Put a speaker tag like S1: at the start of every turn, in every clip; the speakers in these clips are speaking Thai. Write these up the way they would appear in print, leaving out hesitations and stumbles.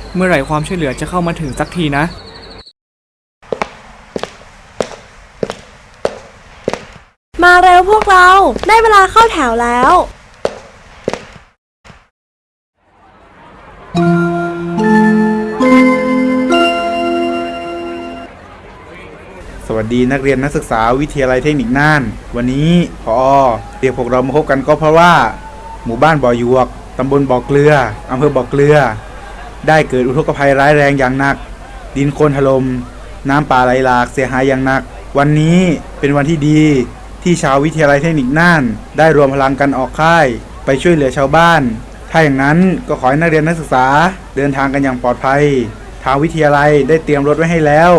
S1: เมื่อไหร่ความช่วยเหลือจะเข้ามาถึงสักทีนะ
S2: มาเร็วพวกเราได้เวลาเข้าแถวแล้ว
S3: สวัสดีนักเรียนนักศึกษาวิทยาลัยเทคนิคน่านวันนี้ผอ.เรียกพวกเรามาพบกันก็เพราะว่าหมู่บ้านบ่อหยวกตำบลบ่อเกลืออำเภอบ่อเกลือได้เกิดอุทกภัยร้ายแรงอย่างหนักดินโคลนถล่มน้ำป่าไหลหลากเสียหายอย่างหนักวันนี้เป็นวันที่ดีที่ชาววิทยาลัยเทคนิคน่านได้รวมพลังกันออกค่ายไปช่วยเหลือชาวบ้านถ้าอย่างนั้นก็ขอให้นักเรียนนักศึกษาเดินทางกันอย่างปลอดภัยทางวิทยาลัยได้เตรียมรถไว้ให้แล้ว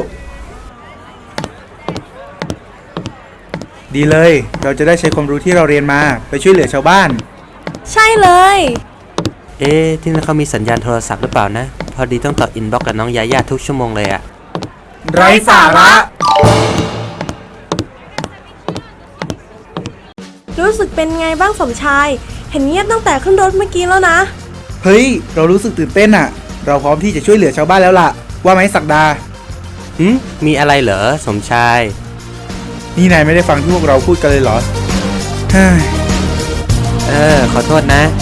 S3: ดีเลยเราจะได้ใช้ความรู้ที่เราเรียนมาไปช่วยเหลือชาวบ้าน
S2: ใช่เลย
S4: ที่นั่นเขามีสัญญาณโทรศัพท์หรือเปล่านะพอดีต้องต่ออินบ็อกซ์กับน้องยาย่าทุกชั่วโมงเลยอะ
S3: ไร้สาระ
S2: รู้สึกเป็นไงบ้างสมชายเห็นเงียบตั้งแต่ขึ้นรถเมื่อกี้แล้วนะ
S3: เฮ้ยเรารู้สึกตื่นเต้นอะเราพร้อมที่จะช่วยเหลือชาวบ้านแล้วล่ะว่าไหมศักดา
S4: มีอะไรเหรอสมชาย
S3: นี่นายไม่ได้ฟังที่พวกเราพูดกันเลยเหรอ
S4: ขอโทษนะ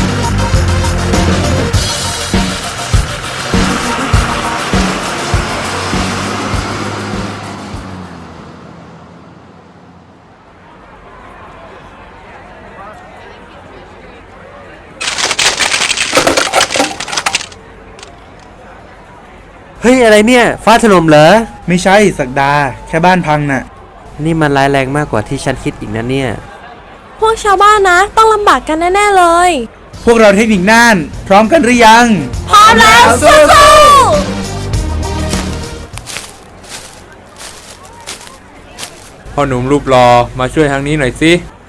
S4: เฮ้ยอะไรเนี่ยฟ้าถล่มเหรอ
S3: ไม่ใช่ศักดาแค่บ้านพังน่ะ
S4: นี่มันร้ายแรงมากกว่าที่ฉันคิดอีกนะเนี่ย
S2: พวกชาวบ้านนะต้องลำบากกันแน่ๆเลย
S3: พวกเราเทคนิคน่านพร้อมกันหรือยัง
S2: พร้อมแล้วสู้
S5: พ่อหนุ่มรูปหล่อมาช่วยทางนี้หน่อยสิ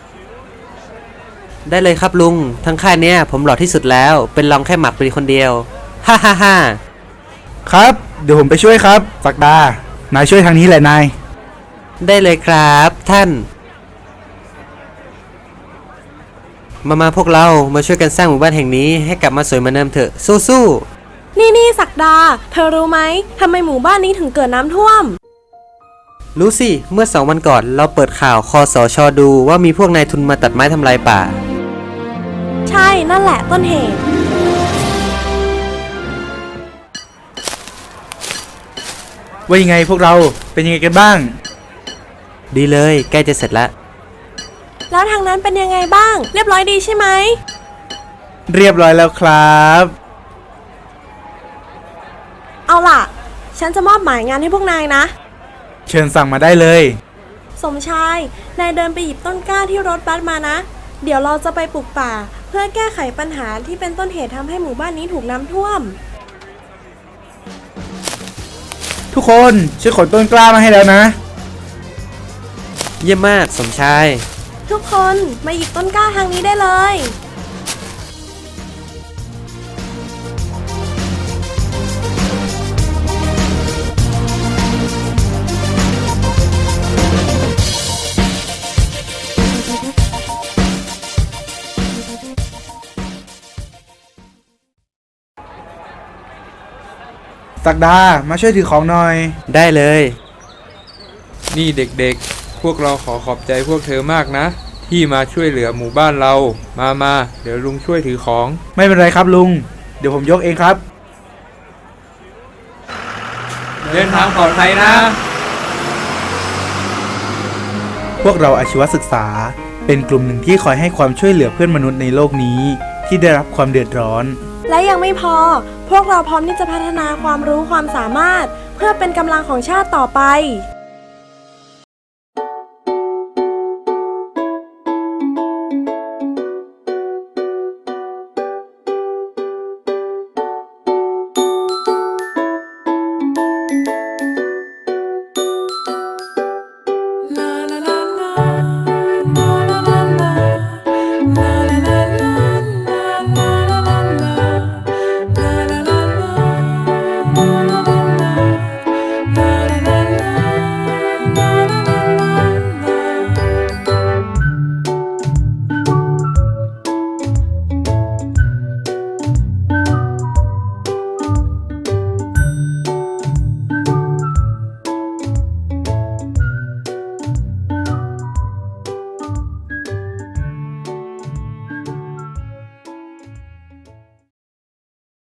S4: ได้เลยครับลุงทั้งค่ายเนี่ยผมหล่อที่สุดแล้วเป็นรองแค่หมักปรีคนเดียวฮ่าฮ่าฮ่า
S3: ครับเดี๋ยวผมไปช่วยครับศักดานายช่วยทางนี้แหละนาย
S4: ได้เลยครับท่านมาพวกเรามาช่วยกันสร้างหมู่บ้านแห่งนี้ให้กลับมาสวยเหมือนเดิมเถอะสู้
S2: ๆนี่ศักดาเธอรู้ไหมทำไมหมู่บ้านนี้ถึงเกิดน้ำท่วม
S4: รู้สิเมื่อ2 วันก่อนเราเปิดข่าวคสช.ดูว่ามีพวกนายทุนมาตัดไม้ทำลายป่า
S2: ใช่นั่นแหละต้นเหตุ
S3: ว่ายังไงพวกเราเป็นยังไงกันบ้าง
S4: ดีเลยใกล้จะเสร็จแล้ว
S2: ทางนั้นเป็นยังไงบ้างเรียบร้อยดีใช่ไหม
S3: เรียบร้อยแล้วครับ
S2: เอาล่ะฉันจะมอบหมายงานให้พวกนายนะ
S3: เชิญสั่งมาได้เลย
S2: สมชายนายเดินไปหยิบต้นกล้าที่รถบัสมานะเดี๋ยวเราจะไปปลูกป่าเพื่อแก้ไขปัญหาที่เป็นต้นเหตุทำให้หมู่บ้านนี้ถูกน้ำท่วม
S3: ทุกคนช่วยขนต้นกล้ามาให้แล้วนะ
S4: เยี่ยมมากสมชาย
S2: ทุกคนมาหยิบต้นกล้าทางนี้ได้เลย
S3: ศักดามาช่วยถือของหน่อย
S4: ได้เลย
S5: นี่เด็กๆพวกเราขอขอบใจพวกเธอมากนะที่มาช่วยเหลือหมู่บ้านเรามาเดี๋ยวลุงช่วยถือของ
S3: ไม่เป็นไรครับลุงเดี๋ยวผมยกเองครับ
S5: เดินทางปลอดภัยนะ
S3: พวกเราอาชีวศึกษาเป็นกลุ่มหนึ่งที่คอยให้ความช่วยเหลือเพื่อนมนุษย์ในโลกนี้ที่ได้รับความเดือดร้อน
S2: และยังไม่พอพวกเราพร้อมที่จะพัฒนาความรู้ความสามารถเพื่อเป็นกำลังของชาติต่อไป